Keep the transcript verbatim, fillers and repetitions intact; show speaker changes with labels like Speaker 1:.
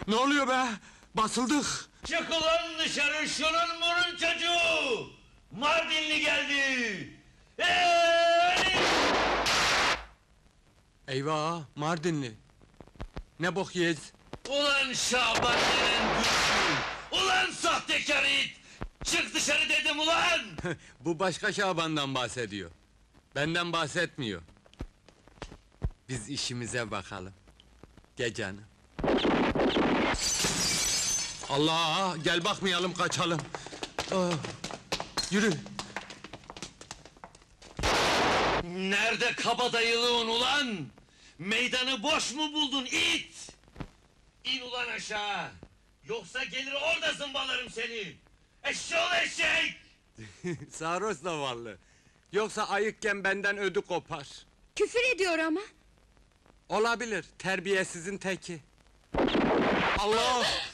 Speaker 1: Ne oluyor be? Basıldık!
Speaker 2: Çık ulan dışarı, şunun burun çocuğu! Mardinli geldi! Hey!
Speaker 1: Eyvah, Mardinli! Ne bok yiyeceğiz?
Speaker 2: Ulan Şaban denen güçlü! Ulan sahtekar it! Çık dışarı dedim ulan!
Speaker 1: Bu başka Şaban'dan bahsediyor. Benden bahsetmiyor. Biz işimize bakalım. Gel canım. Allah! Gel bakmayalım, kaçalım! Ah, yürü!
Speaker 2: Nerede kabadayılığın ulan? Meydanı boş mu buldun it? İn ulan aşağı! Yoksa gelir orada zımbalarım seni! Eşşoğlu eşek!
Speaker 1: Sarhoş zavallı! Yoksa ayıkken benden ödü kopar.
Speaker 3: Küfür ediyor ama.
Speaker 1: Olabilir, terbiyesizin teki. Allah!